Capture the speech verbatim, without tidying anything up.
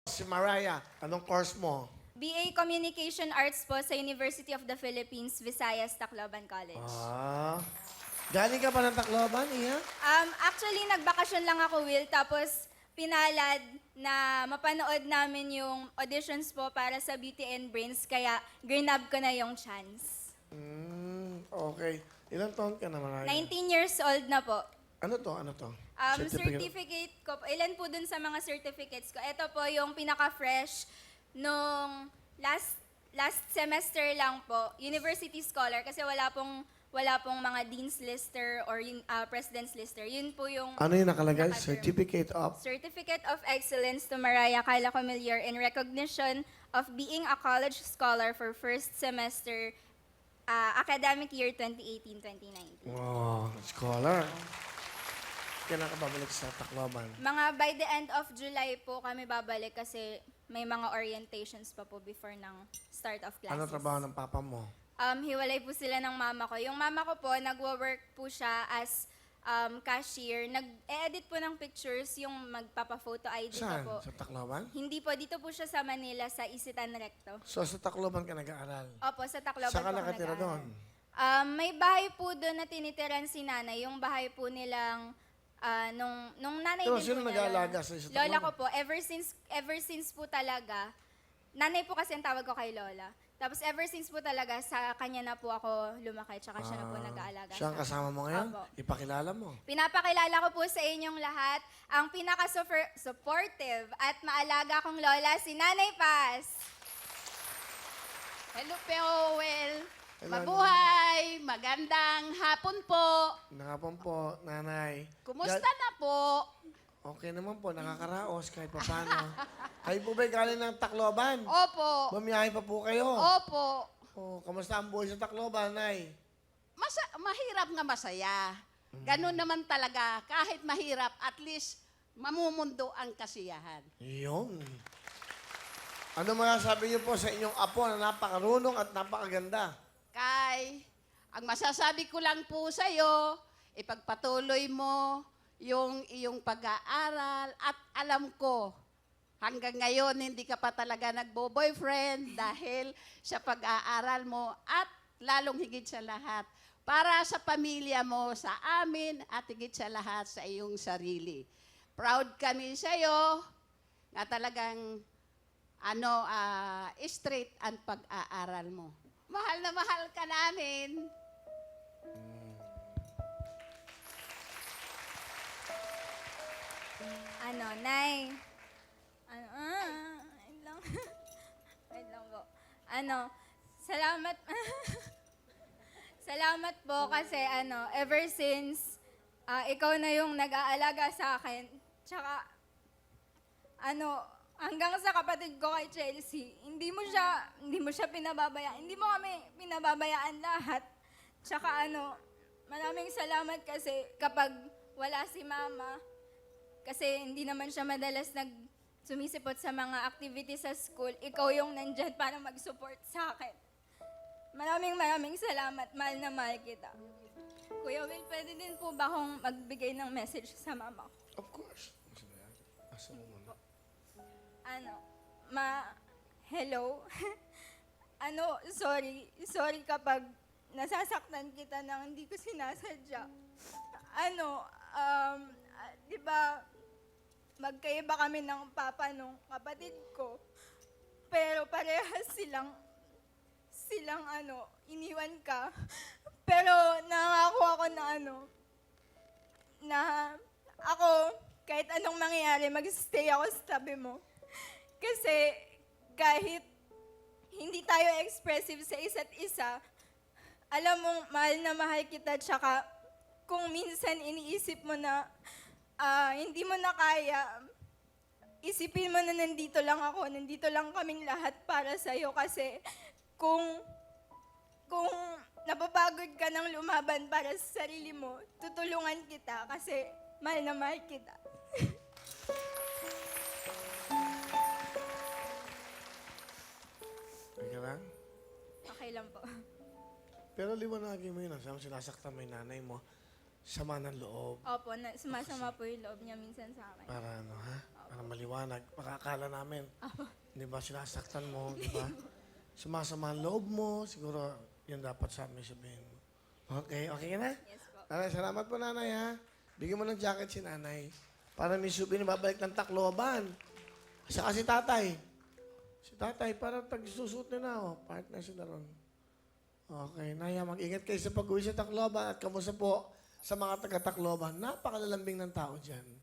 Si Mariah, anong course mo? B A Communication Arts po sa University of the Philippines, Visayas, Tacloban College. Ah. Galing ka pa ng Tacloban, Iya? Um, actually, nagbakasyon lang ako, Will, tapos pinalad na mapanood namin yung auditions po para sa Beauty and Brains, kaya grinab ko na yung chance. Hmm, okay. Ilang taon ka na, Mariah? nineteen years old na po. Ano to? Ano to? Um, certificate ko, po- ilan po dun sa mga certificates ko. Ito po yung pinaka-fresh nung last last semester lang po, University Scholar, kasi wala pong wala pong mga Dean's Lister or yun- uh, President's Lister. Yun po yung Ano yung nakalagay? Nakaterm. Certificate of? Certificate of Excellence to Mariah Kyla Comillier in recognition of being a college scholar for first semester uh, academic year twenty eighteen twenty nineteen. Oh, scholar. Kailan ka babalik sa Tacloban? Mga by the end of July po kami babalik kasi may mga orientations pa po before ng start of classes. Ano trabaho ng papa mo? Um, hiwalay po sila ng mama ko. Yung mama ko po, nagwo-work po siya as um, cashier. Nag-edit po ng pictures, yung magpapa-photo I D Saan? ko po. Sa Tacloban? Hindi po, dito po siya sa Manila, sa Isitan Recto. So, sa Tacloban ka nag-aaral? Opo, sa Tacloban Saan ka po ako nakatira nag-aaral. doon? Um, may bahay po doon na tinitiran si nanay. Yung bahay po nilang, ah, nung, nung nanay Pero din sino po niya, nag-aalaga lola- sa isa't Lola dalawa? ko po, ever since, ever since po talaga, nanay po kasi ang tawag ko kay lola. Tapos ever since po talaga, sa kanya na po ako lumaki, tsaka siya na po Ah, nag-aalaga. siya ang sa akin. kasama mo ngayon? Opo. Ipakilala mo. Pinapakilala ko po sa inyong lahat ang pinaka-supportive at maalaga kong lola, si Nanay Paz. Hello, Powell. Hello, Mabuhay. Magandang hapon po. Nakapon po, nanay. Kumusta Ga- na po? Okay naman po, nakakaraos kahit paano. Kayo po ba'y galing ng Tacloban? Opo. Bumiyahe pa po kayo. Opo. Oh, kamusta ang buhay sa Tacloban, nay? Masa- mahirap nga masaya. Ganun naman talaga. Kahit mahirap, at least mamumundo ang kasiyahan. Yun. Ano masasabi niyo po sa inyong apo na napakarunong at napakaganda? Kay, ang masasabi ko lang po sa'yo, ipagpatuloy mo yung iyong pag-aaral at alam ko, hanggang ngayon hindi ka pa talaga nagbo-boyfriend dahil sa pag-aaral mo at lalong higit sa lahat, para sa pamilya mo, sa amin at higit sa lahat sa iyong sarili. Proud kami sa'yo na talagang ano, ah, straight ang pag-aaral mo. Mahal na mahal ka namin. Ano, Nay? Ano, ah, wait lang. Wait lang po. Ano, salamat. Salamat po kasi ano, ever since ah, ikaw na yung nag-aalaga sa akin. Tsaka, ano, hanggang sa kapatid ko kay Chelsea, hindi mo siya, hindi mo siya pinababayaan. Hindi mo kami pinababayaan lahat. Tsaka ano, maraming salamat kasi kapag wala si Mama, kasi hindi naman siya madalas nag sumisipot sa mga activities sa school, ikaw yung nandyan para mag-support sa akin. Maraming maraming salamat. Mahal na mahal kita. Kuya Will, pwede din po ba akong magbigay ng message sa mama ko? Of course. Asa mo muna? Ano, ma, hello? ano, sorry. Sorry kapag nasasaktan kita nang hindi ko sinasadya. Ano, um, ah, di ba, magkaiba kami ng papa nung kapatid ko. Pero parehas silang, silang ano, iniwan ka. Pero nangako ako na ano, na ako, kahit anong mangyayari, mag-stay ako sa tabi mo. Kasi kahit hindi tayo expressive sa isa't isa, alam mong mahal na mahal kita, tsaka kung minsan iniisip mo na ah, hindi mo na kaya, isipin mo na nandito lang ako, nandito lang kaming lahat para sa'yo kasi kung, kung napapagod ka ng lumaban para sa sarili mo, tutulungan kita kasi mahal na mahal kita. Okay lang? Okay lang po. Pero liwanagin mo yun. Sabi mo, sinasaktan mo yung nanay mo. Sama ng loob. Opo, na, sumasama po yung loob niya minsan sa akin. Para ano, ha? Opo. Para maliwanag. Makakala namin. Di ba, sinasaktan mo, di ba? Sumasama ang loob mo, siguro yun dapat sa amin sabihin mo. Okay, okay ka na? Yes po. Nanay, salamat po nanay ha. Bigyan mo ng jacket si nanay. Para may subi na babalik ng Tacloban. Saka si tatay. Si tatay, para tag-susuot na na, oh. Partner sila ron. Okay, Naya, mag-ingat kayo sa pag-uwi sa Tacloban at kamusta po sa mga taga-Tacloban. Napakalalambing ng tao dyan.